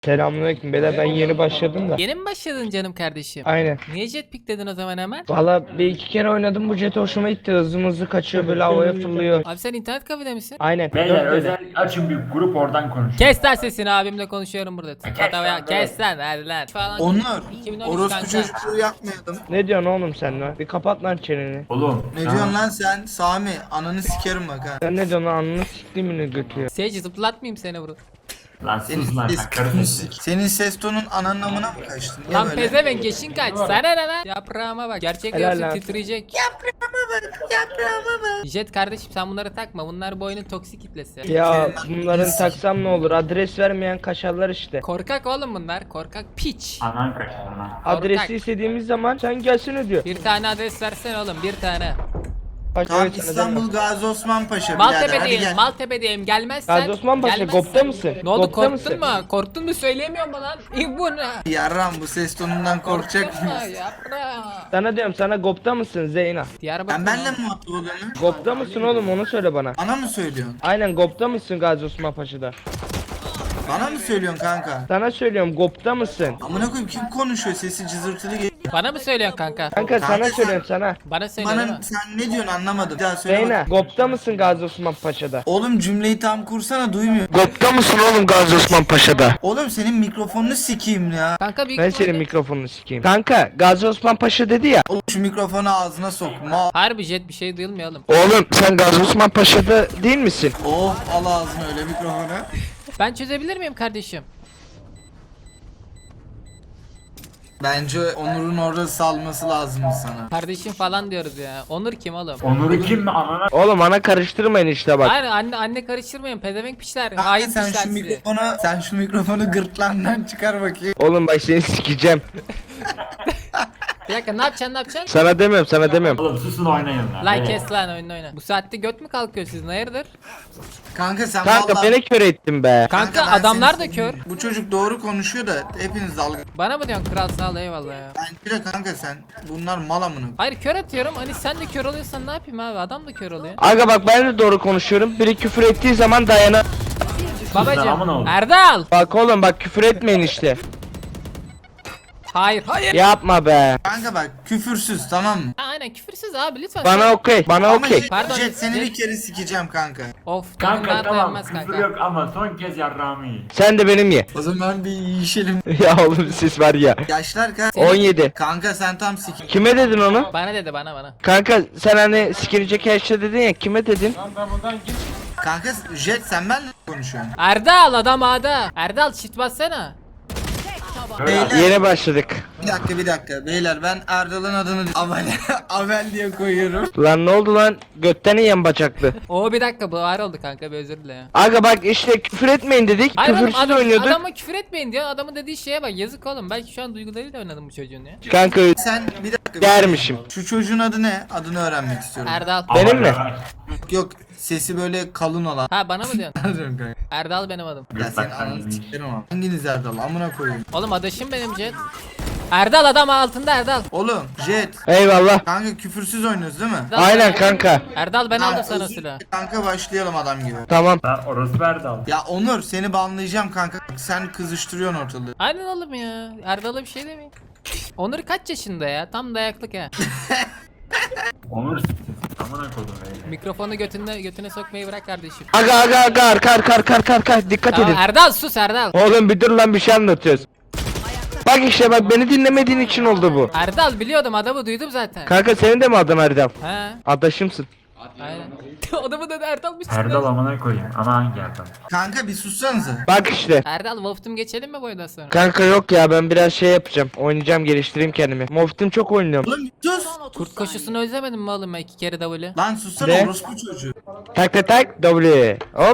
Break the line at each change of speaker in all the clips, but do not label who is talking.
Selamünaleyküm beyler, ben yeni başladım da.
Yeni mi başladın canım kardeşim?
Aynen.
Niye jetpick dedin o zaman hemen?
Valla bir iki kere oynadım, bu jet hoşuma gitti. Hızlı kaçıyor, böyle havaya fırlıyor.
Abi sen internet kafede misin?
Aynen.
Beyler
dört
özel
dedi.
açın bir grup oradan konuş.
Kes lan sesini, abimle konuşuyorum burada.
Kes
Hatta ya
lan,
kes lan hadi lan. Falan.
Onur,
2013
orospu
kanka.
çocukluğu yapmayalım.
Ne diyorsun oğlum sen lan? Bir kapat lan çeneni.
Oğlum.
Ne diyorsun lan sen? Sami, ananı sikerim bak ha.
Sen ne diyorsun lan, anını siktimini götüyor.
Sage zıplatmayayım seni burada.
Lan sus lan sen karı sesi.
Senin ses tonun ananın amına mı kaçtın? Niye
Lan
böyle?
pezevenk yaşın kaç? Sana ne lan? Yaprağıma bak. Gerçek
Helal
görsün
lan.
titreyecek.
Yaprağıma bak.
Jet kardeşim sen bunları takma. Bunlar bu oyunun toksik kitlesi.
Ya bunların taksam ne olur? Adres vermeyen kaşarlar işte.
Korkak oğlum bunlar. Korkak piç.
Anan kaçtı anan.
Adresi istediğimiz zaman sen gelsene diyor.
Bir tane adres versene oğlum, bir tane.
Bak,
Tamam,
evet, sana
İstanbul
demiyorum.
Gazi Osman Paşa birader, hadi
Maltepe'deyim,
gel.
Maltepe'deyim. Gelmezsen.
Gazi Osman Paşa,
gelmezsen-
Gop'ta mısın?
Ne oldu,
Gop'ta
korktun
mısın?
mu? Korktun mu, söyleyemiyor mu lan? Bu ne?
Yarram, bu ses tonundan korkacak
Korktun mu?
mıyız?
Yaprağım.
Sana diyorum, sana Gop'ta mısın Zeyna?
Diyarbakır.
Ben benle mi muhatap oluyorum?
Gop'ta mısın oğlum, onu söyle bana.
Bana mı söylüyorsun?
Aynen, Gop'ta mısın Gazi Osman Paşa'da?
Bana mı söylüyorsun kanka?
Sana söylüyorum, Gop'ta mısın?
Amına koyayım, kim konuşuyor, sesi cızırtılı geliyor.
Bana mı söylüyorsun kanka?
Kanka sana
Kanka sen-
söylüyorum sana.
Bana söyle değil mi?
Bana sen ne diyorsun anlamadım. Bir daha söyle
Zeyna,
bak.
Gop'ta mısın Gazi Osman Paşa'da?
Oğlum cümleyi tam kursana, duymuyorum.
Gop'ta mısın oğlum Gazi Osman Paşa'da?
Oğlum senin mikrofonunu sikeyim ya.
Kanka büyük
Ben
ihtimalle-
senin mikrofonunu sikeyim. Kanka, Gazi Osman Paşa dedi ya.
Oğlum şu mikrofonu ağzına sokma.
Harbi Jet bir şey duyulmuyor oğlum.
Oğlum sen Gazi Osman Paşa'da değil misin?
Oh, al ağzına öyle mikrofonu.
Ben çözebilir miyim kardeşim?
Bence Onur'un orada salması lazım sana.
Kardeşim falan diyoruz ya. Onur kim oğlum?
Onur'u kim mi anana?
Oğlum ana karıştırmayın işte bak.
Hayır, anne karıştırmayın, pezevenk piçler.
Kanka
Hain
sen
piçler
şu
sizi.
mikrofonu gırtlağından çıkar bakayım.
Oğlum bak seni sikeceğim.
Bir dakika, ne yapacaksın, ne yapacaksın?
Sana demiyorum, sana demiyorum.
Oğlum susun oynayın lan.
Lan
Evet.
kes lan, oyna. Bu saatte göt mü kalkıyor sizin, hayırdır?
Kanka sen
Kanka
vallahi...
beni kör ettin be.
Kanka
ben
adamlar
seni
da kör.
Bu çocuk doğru konuşuyor da hepiniz dalga.
Bana mı diyorsun kral, sağ ol, eyvallah ya.
Bence de kanka sen bunlar mal amına.
Hayır, kör atıyorum, hani sen de kör oluyorsan ne yapayım abi, adam da kör oluyor.
Aga bak, ben de doğru konuşuyorum. Biri küfür ettiği zaman dayana.
aman
Babacım,
oğlum.
Erdal.
Bak oğlum bak, küfür etmeyin işte.
Hayır, hayır.
Yapma be.
Kanka bak küfürsüz, tamam mı?
Ha, aynen küfürsüz abi, lütfen.
Bana okey. Bana
Ama
okey.
Pardon,
Jet seni
Jet-
bir kere sikeceğim kanka.
Of,
Kanka
kanka
tamam
dayanmaz
küfür
kanka.
yok ama son kez yarrağımı yiyin.
Sen de benim ye.
O zaman bir yiyişelim.
Ya oğlum siz var ya.
Yaşlar kaç?
17.
Kanka sen tam sik.
Kime dedin onu?
Bana dedi, bana.
Kanka sen hani sikilecek her şey dedin ya, kime dedin?
Kanka Jet sen benle mi konuşuyorsun?
Erdal, adam ağda. Erdal çift bassana.
Böyle
Beyler
Yeni başladık.
bir dakika beyler, ben Erdal'ın adını Avel diye koyuyorum.
Lan ne oldu lan? Götten yiyen bacaklı.
Oo, bir dakika, bu ağır oldu kanka, bir özür dile ya.
Aga bak işte küfür etmeyin dedik.
Hayır oğlum,
Küfürsüz oynuyorduk.
adama küfür etmeyin diyor. Adamın dediği şeye bak, yazık oğlum. Belki şu an duygularıyla oynadım bu çocuğun ya.
Kanka
Sen bir dakika.
dermişim.
Şu çocuğun adı ne? Adını öğrenmek istiyorum.
Erdal.
Benim mi?
Yok, sesi böyle kalın olan.
Ha, bana mı diyorsun?
Pardon kanka.
Erdal benim adım.
Ya sen ananı sikerim ama. Hanginiz Erdal? Amına koyayım.
Oğlum adaşım benim Jet. Erdal, adam altında Erdal.
Oğlum Jet.
Eyvallah.
Kanka küfürsüz oynuyoruz değil mi?
Erdal,
Aynen kanka.
Erdal, ben
Kanka,
aldım sana
özür-
silah.
Kanka başlayalım adam gibi.
Tamam.
Lan orospu Erdal.
Ya Onur seni banlayacağım kanka. Sen kızıştırıyorsun ortalığı.
Aynen oğlum ya. Erdal'a bir şey demeyin. Onur kaç yaşında ya? Tam dayaklık ha.
Onur siktir. Amına kodum öyle.
Mikrofonu götüne sokmayı bırak kardeşim.
Aga arka dikkat
Tamam,
edin.
Erdal sus Erdal.
Oğlum bir dur lan, bir şey anlatıyoruz. Bak işte bak, beni dinlemediğin için oldu bu.
Erdal, biliyordum, adamı duydum zaten.
Kanka senin de mi adın Erdem?
Ha,
Adaşımsın.
aynen. Adamı da Erdal'mış.
Erdal amına koyayım. Ama hangi Erdal?
Kanka bir sussanıza.
Bak işte.
Erdal, Wolf'tum geçelim mi boydan sonra?
Kanka yok ya, ben biraz şey yapacağım. Oynayacağım, geliştireyim kendimi. Moftim çok oynuyorum.
Oğlum sus.
Kurt koşusunu özlemedin mi oğlum, 2 kere W?
Lan sussana
Ne?
orospu çocuğu.
Tak W. Hop.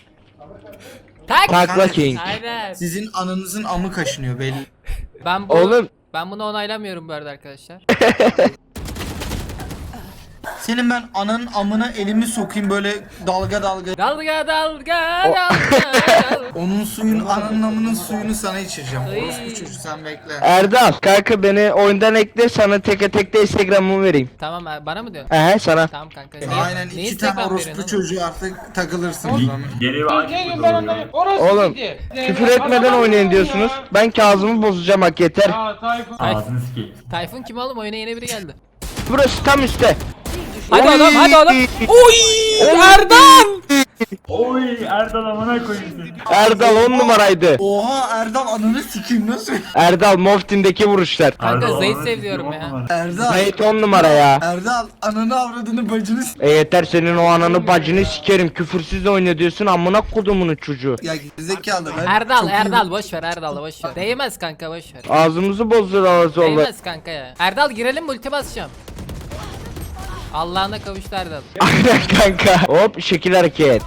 Tak!
Takla King.
Aynen.
Sizin ananızın amı kaşınıyor belli.
Oğlum.
Oğlum.
Ben bunu onaylamıyorum bu arada arkadaşlar.
Senin ben ananın amına elimi sokayım böyle dalga dalga.
Dalga dalga dalga.
Onun suyun ananın amının suyunu sana içireceğim.
Ay.
Orospu çocuğu sen bekle.
Erdal kanka beni oyundan ekle, sana teke tek de Instagram'ımı vereyim.
Tamam bana mı diyorsun?
Sana.
Tamam kanka.
Aynen
Niye
iki tane
Instagram
orospu
veriyorsun
çocuğu artık takılırsınız lan.
Yeni bir aşk
Gelin
bu
ben
doğru.
onları. Orası
Oğlum
gidi.
küfür etmeden oynayın diyorsunuz. Ben Kazım'ı bozacağım, hak yeter.
Aa Tayfun.
Ağzını sikeyim.
Tayfun kim oğlum? Oyuna yeni biri geldi.
Burası tam üstte.
Hadi
Oy!
oğlum hadi oğlum. Oy! Erdal!
Oy Erdal amına koyayım seni.
Erdal 10 numaraydı.
Oha Erdal ananı sikeyim nasıl?
Erdal Moftin'deki vuruşlar.
Kanka
Erdal
Zeyt
amına
seviyorum
sikeyim,
ya.
on numara.
Erdal.
Zeyt 10 numara ya.
Erdal ananı avradını bacını
Yeter, senin o ananı bacını sikerim. Küfürsüz oyna diyorsun, amına kodumunun çocuğu.
Ya gerizekalı ben.
Erdal
çok iyi-
Erdal boş ver Erdal boş ver. Değmez kanka boş ver.
Ağzımızı bozdular zorla.
Değmez kanka ya. Erdal girelim ulti basacağım. Allah'ına kavuştu Erdal.
Aynen kanka. Hop şekil hareket.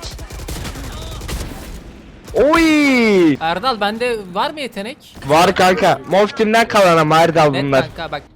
Oy!
Erdal bende var mı yetenek?
Var kanka. Moftim'den kalan ama Erdal
Evet
bunlar.
kanka bak.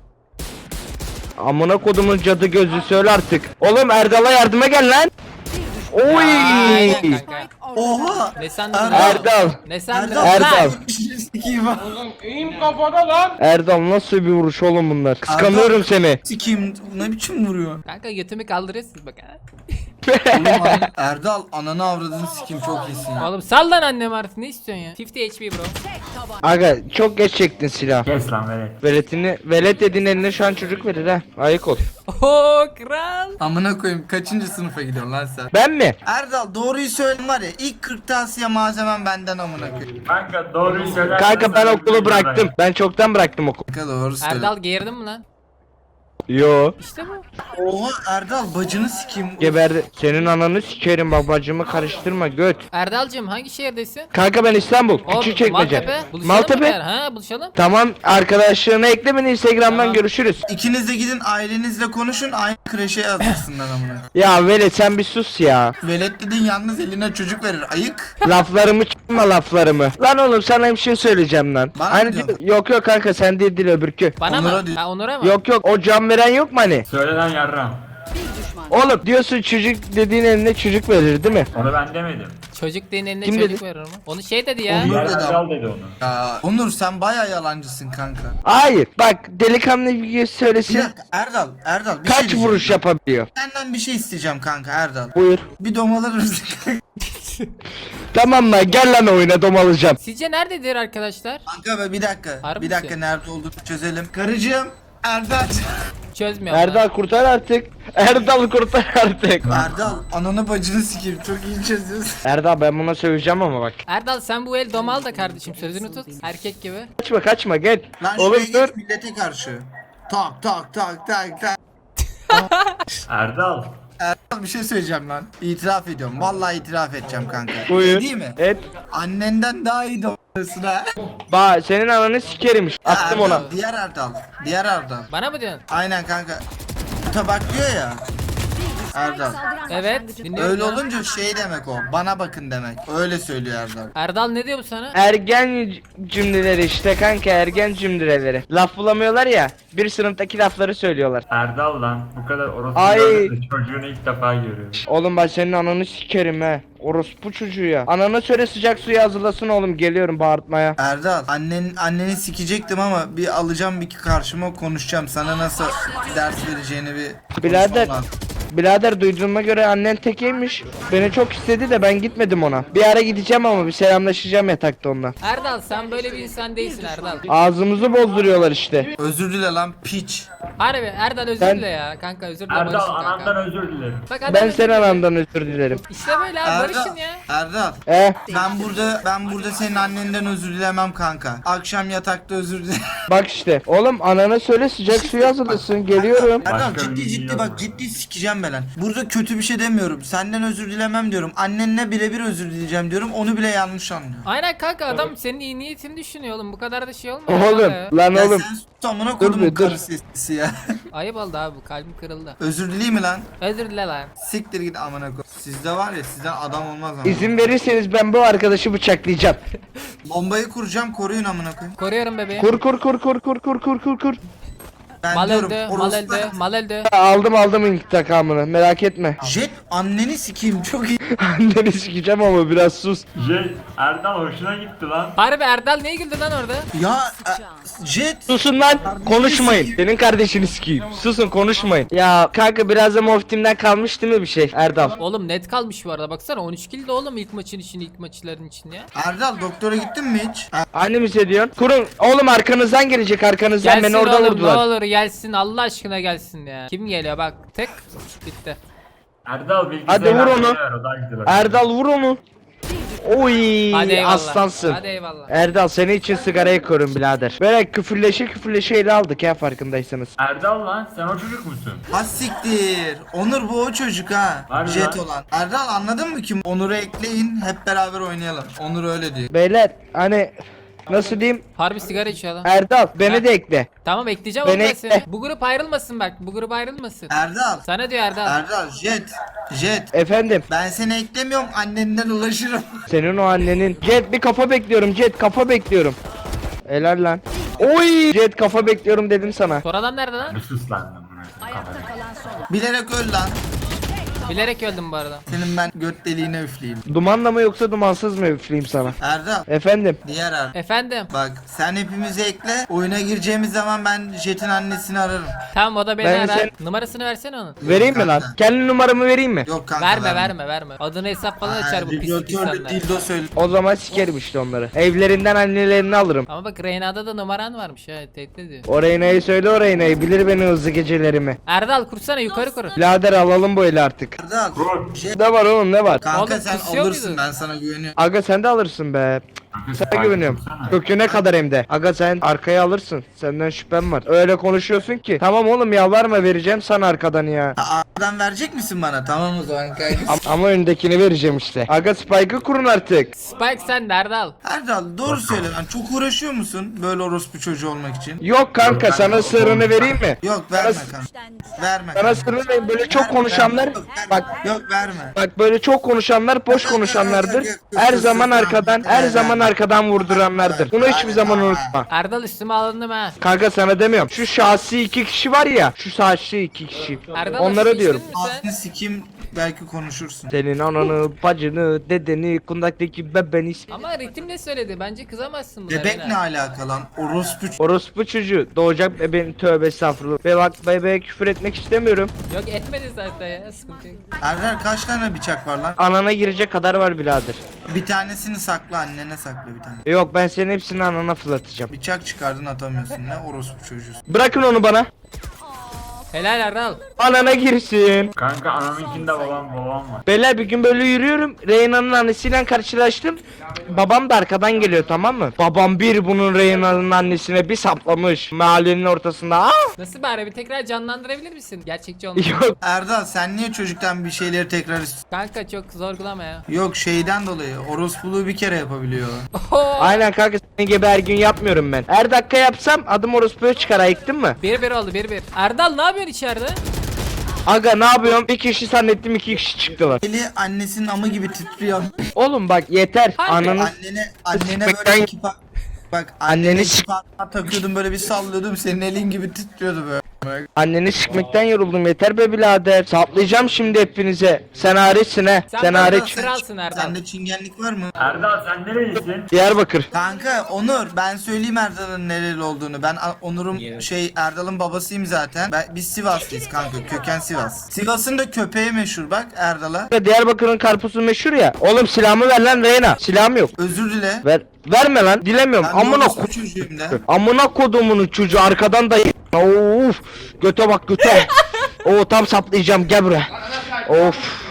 Amına kodumun cadı gözü, söyle artık. Oğlum Erdal'a yardıma gel lan. Oy!
Aynen kanka.
Oha.
Ne sandın?
Erdal.
Ne sandın?
Erdal.
Erdal.
Lan!
Sikiyim ha.
Oğlum eğim kafada lan.
Erdal nasıl bir vuruş oğlum bunlar. Kıskanıyorum seni.
Sikiyim ne biçim vuruyor?
Kanka götümü kaldırıyorsun bak ha.
Oğlum, Erdal ananı avradını sikiyim çok iyisin ya.
Oğlum sal lan annem artık ne istiyorsun ya? 50 HP bro.
Aga çok geç çektin silah.
Kes lan velet.
Velet dediğin eline şu an çocuk verir ha. Ayık ol.
Oho kral.
Amına koyayım kaçıncı sınıfa gidiyorsun lan sen?
Ben mi?
Erdal doğruyu söyle var ya ilk kırtasiye malzemem benden amına koyayım.
Kanka doğruyu söylersen.
Kanka ben
sana
okulu
bir
bıraktım. Ben çoktan bıraktım okulu.
Kanka doğru söyle.
Erdal geğirdin mi lan?
Yo.
İşte bu.
Oha Erdal bacını sikeyim.
Geberdi. Senin ananı sikerim, babacımı karıştırma göt.
Erdal'cığım hangi şehirdesin?
Kanka ben İstanbul.
Oğlum,
Küçükçekmece.
Maltepe. Buluşalım mı
Maltepe.
beraber? Ha buluşalım.
Tamam, arkadaşlarına ekle beni Instagram'dan,
Tamam.
görüşürüz.
İkiniz de gidin ailenizle konuşun aynı kreşe yazdırsınlar amına.
Ya Velet sen bir sus ya.
Velet dedin yalnız eline çocuk verir ayık.
Laflarımı çıkma laflarımı. Lan oğlum sana bir şey söyleyeceğim lan.
Bana mı
Hani
diyorsun?
yok yok kanka, sen değil öbürkü.
Bana
Onur'a
mı?
diyor.
Ha Onur'a mı?
Yok yok, o can veren yok mu hani?
Söyle lan yarram.
Oğlum diyorsun çocuk dediğin eline çocuk verir değil mi?
Onu ben demedim.
Çocuk deyin eline
Kim
çocuk
dedi?
verir mi? Onu şey dedi ya.
Onur
Diğer
dedi
Erdal dedi onu.
Ya Onur sen baya yalancısın kanka.
Hayır bak, delikanlı bir
Bir
söylesin.
dakika Erdal bir şey
Kaç
diyeceğim.
vuruş yapabiliyor?
Senden bir şey isteyeceğim kanka Erdal.
Buyur.
Bir domalar mısın?
Tamam lan, gel lan oyuna, domalacağım.
Sizce nerededir arkadaşlar?
Kanka be bir dakika.
Harbi
bir dakika
misin?
nerede olduğunu çözelim. Karıcığım Erdal.
Çözmüyor.
Erdal kurtar artık. Erdal kurtar artık.
Erdal ananı bacını sikeyim çok iyi çözüyorsun.
Erdal ben buna söveceğim ama bak.
Erdal sen bu el domal da kardeşim sözünü tut. Erkek gibi.
Kaçma gel.
Lan
Oğlum
şuraya
dur.
geç millete karşı. Tak tak tak tak tak.
Erdal.
Erdal bir şey söyleyeceğim lan. İtiraf ediyorum. Vallahi itiraf edeceğim kanka.
Buyur.
Değil mi?
Et.
Annenden daha iyi domalısın ha.
Ba senin ananı sikerim. Attım
Erdal,
ona.
Diğer Erdal. Diğer Erdal.
Bana mı diyorsun?
Aynen kanka. Tabak diyor ya. Erdal.
Evet. Dinliyorum
Öyle
ya.
olunca şey demek o. Bana bakın demek. Öyle söylüyor Erdal.
Erdal ne diyor bu sana?
Ergen cümleleri işte kanka, ergen cümleleri. Laf bulamıyorlar ya, bir sınıftaki lafları söylüyorlar.
Erdal lan. Bu kadar orospu
Ay.
gördüm de çocuğunu ilk defa görüyorum.
Oğlum ben senin ananı sikerim he. Orospu çocuğu ya. Anana söyle sıcak suyu hazırlasın oğlum, geliyorum bağırtmaya.
Erdal anneni sikecektim ama bir alacağım bir karşıma konuşacağım. Sana nasıl ders vereceğini bir
Birader.
konuşmam lazım.
Birader duyduğuma göre annen tekeymiş. Beni çok istedi de ben gitmedim ona. Bir ara gideceğim ama bir selamlaşacağım yatakta onunla.
Erdal sen böyle bir insan değilsin Erdal.
Ağzımızı bozduruyorlar işte.
Özür dile lan piç.
Harbi Erdal özür
Ben-
dile ya. Kanka özür dile
Erdal
barışın
anandan
kanka.
özür dilerim.
Bak adam
Ben
özür
senin
dile.
anandan özür dilerim.
İşte böyle abi
Erdal,
barışın ya.
Erdal. Ben burada senin annenden özür dilemem kanka. Akşam yatakta özür dilerim.
Bak işte. Oğlum anana söyle sıcak suyu hazırlasın, geliyorum.
Erdal
Başka
ciddi
bir
ciddi
şey
bak
yok.
ciddi sikeceğim ben lan. Burada kötü bir şey demiyorum. Senden özür dilemem diyorum. Annenle birebir özür dileyeceğim diyorum. Onu bile yanlış anlıyor.
Aynen kanka adam senin iyi niyetini düşünüyor oğlum. Bu kadar da şey olma.
Oğlum
kanka ya.
lan
Ya
oğlum.
sen sus amına
Dur
kodumun
bir, dur.
karı sesi ya.
Ayıp oldu abi bu kalbim kırıldı.
Özür dileyim mi lan?
Özür dile lan.
Siktir git amına koy. Sizde var ya sizden adam olmaz ama.
İzin verirseniz ben bu arkadaşı bıçaklayacağım.
Bombayı kuracağım koruyun amına koyayım.
Koruyorum bebeğim.
Kur kur kur kur kur kur kur kur kur.
Ben
Mal
diyorum
öldü, mal
orospu.
öldü, mal öldü.
Aldım intikamını, merak etme.
Jet anneni sikeyim çok iyi.
Anneni sikeceğim ama biraz sus.
Erdal hoşuna gitti lan.
Harbi Erdal niye güldü lan orada?
Ya Jet.
Susun lan, konuşmayın. Senin kardeşini sikeyim. Susun, konuşmayın. Ya kanka biraz da Moftim'den kalmış değil mi bir şey Erdal?
Oğlum net kalmış bu arada baksana 13 kill de oğlum ilk maçın için ilk maçların için ya.
Erdal doktora gittin mi hiç?
Anne mi diyorsun? Kurun oğlum, arkanızdan gelecek, arkanızdan
Gelsin
beni orada
oğlum
vurdular.
ne olur gelsin Allah aşkına gelsin ya. Kim geliyor bak tek bitti.
Erdal bilgisayarı
Hadi vur onu.
ver, o daha güzel olur.
Erdal vur onu. Oy
Hadi eyvallah.
aslansın.
Hadi eyvallah.
Erdal senin için sigara yakıyorum birader. Böyle küfürleşe ele aldık ya, farkındaysanız.
Erdal lan sen o çocuk musun?
Ha siktir. Onur bu o çocuk ha.
Harbi
Jet
lan.
olan. Erdal anladın mı kim? Onur'u ekleyin hep beraber oynayalım. Onur öyle diyor.
Beyler hani nasıl diyeyim,
Harbi sigara içiyor lan.
Erdal beni de ekle.
Tamam ekleyeceğim
Beni
onu da seni.
ekle.
Bu grup ayrılmasın bak. Bu grup ayrılmasın.
Erdal.
Sana diyor Erdal.
Erdal Jet.
Efendim,
Ben seni eklemiyorum annenden ulaşırım.
senin o annenin. Jet bir kafa bekliyorum, Jet kafa bekliyorum. Helal lan. Oy Jet kafa bekliyorum dedim sana.
Sonra adam nerede lan?
Bir sus lan bunu.
Bilerek öl lan.
Bilerek öldüm bu arada.
Senin ben göt deliğine üfleyeyim.
Dumanla mı yoksa dumansız mı üfleyeyim sana?
Erdal.
Efendim,
Diğer Erdal.
Efendim.
Bak sen hepimizi ekle. Oyuna gireceğimiz zaman ben Jet'in annesini ararım.
Tamam o da beni
Ben
arar.
sen-
Numarasını versene onun.
vereyim mi lan?
kanka.
Kendi numaramı vereyim mi?
Yok kanka
Verme. Adını hesap falan açar bu pislik
Vibratörlü
insanlar.
dildo söyle.
O zaman sikerim işte onları. Evlerinden annelerini alırım.
Ama bak Reyna'da da numaran varmış ha tehdit ediyor.
O Reyna'yı söyle, o Reyna'yı bilir beni hızlı gecelerimi.
Erdal kursana yukarı kur.
Birader alalım bu eli artık.
Erdal.
Kur.
Jet.
Ne var oğlum, ne var?
Kanka
Oğlum,
sen
kusuyor
alırsın
muydun?
ben sana güveniyorum.
Aga sen de alırsın be.
Kanka,
Sana
sen
güveniyorum.
dursana.
Köküne kadar hem de. Aga sen arkaya alırsın. Senden şüphem var. Öyle konuşuyorsun ki. Tamam oğlum yalvarma, vereceğim sana arkadan ya.
A'dan verecek misin bana? Tamam o zaman kanka.
Ama öndekini vereceğim işte. Aga Spike'ı kurun artık.
Spike sen de Erdal.
Erdal doğru söyle lan. Çok uğraşıyor musun böyle orospu çocuğu olmak için?
Yok kanka, sana sırrını vereyim mi?
Yok verme kanka. Verme.
Sana sırrını vereyim. Böyle çok konuşanlar
Yok verme.
bak böyle çok konuşanlar boş konuşanlardır. Her zaman arkadan vurduranlardır. Bunu hiçbir zaman unutma.
Erdal üstüme alındım ha.
Kanka sana demiyorum. Şu şahsi iki kişi var ya. Şu şahsi iki kişi.
Erdal
Onlara
üstüme
diyorum.
içtin mi sen?
Ağzını sikeyim belki konuşursun.
Senin ananı, bacını, dedeni, kundaktaki bebeni.
Ama ritim ne söyledi? Bence kızamazsın buna.
Bebek
Reyna.
ne alaka lan? Orospu
Orospu çocuğu doğacak bebeğin, tövbe estağfurullah. Ve bak bebeğe küfür etmek istemiyorum.
Yok etmedi zaten ya sıkıntı yok.
Erdal kaç tane bıçak var lan?
Anana girecek kadar var birader.
Bir tanesini sakla annene sakla bir tane.
Yok ben senin hepsini anana fırlatacağım.
Bıçak çıkardın atamıyorsun ne orospu çocuğusun.
Bırakın onu bana.
Helal Erdal.
Anana girsin.
Kanka anamınkinde babam var.
Beyler bir gün böyle yürüyorum. Reyna'nın annesiyle karşılaştım. Babam da arkadan geliyor, tamam mı? Babam bir bunun Reyna'nın annesine bir saplamış. Mahallenin ortasında. Aa!
Nasıl bari bir tekrar canlandırabilir misin? Gerçekçi olmuş.
Yok.
Erdal sen niye çocuktan bir şeyleri tekrar istiyorsun?
Kanka çok zorgulama ya.
Yok şeyden dolayı orospuluğu bir kere yapabiliyor.
Oho.
Aynen kanka, senin gibi her gün yapmıyorum ben. Her dakika yapsam adım orospuya çıkar, ayıktın mı?
1-1 oldu 1-1. Erdal ne yapıyorsun içeride?
Aga ne yapıyorum? Bir kişi zannettim, iki kişi çıktılar.
Eli annesinin amı gibi titriyor.
Oğlum bak yeter.
Harbi.
Ananı
Annene böyle
Sikmekten-
iki bak
Anneni
anneni
sik-
takıyordum böyle bir sallıyordum senin elin gibi titriyordu böyle.
anneni sikmekten yoruldum, yeter be birader. Saplayacağım şimdi hepinize. Sen hariçsin he. Sen
bana
hariç.
kralsın Erdal.
Sende çingenlik var mı?
Erdal sen nerelisin?
Diyarbakır.
Kanka Onur ben söyleyeyim Erdal'ın nereli olduğunu. Ben Onur'un Erdal'ın babasıyım zaten. Biz Sivaslıyız kanka. Köken Sivas. Sivas'ın da köpeği meşhur bak Erdal'a.
Diyarbakır'ın karpuzu meşhur ya. Oğlum silahımı ver lan Reyna. Silahım yok.
Özür dile.
Verme lan. Dilemiyorum.
Ben
Amına
orospu çocuğuyum de.
Amına kodumunun çocuğu arkadan da of. Göte bak göte. Oo tam saplayacağım, gel buraya. Of.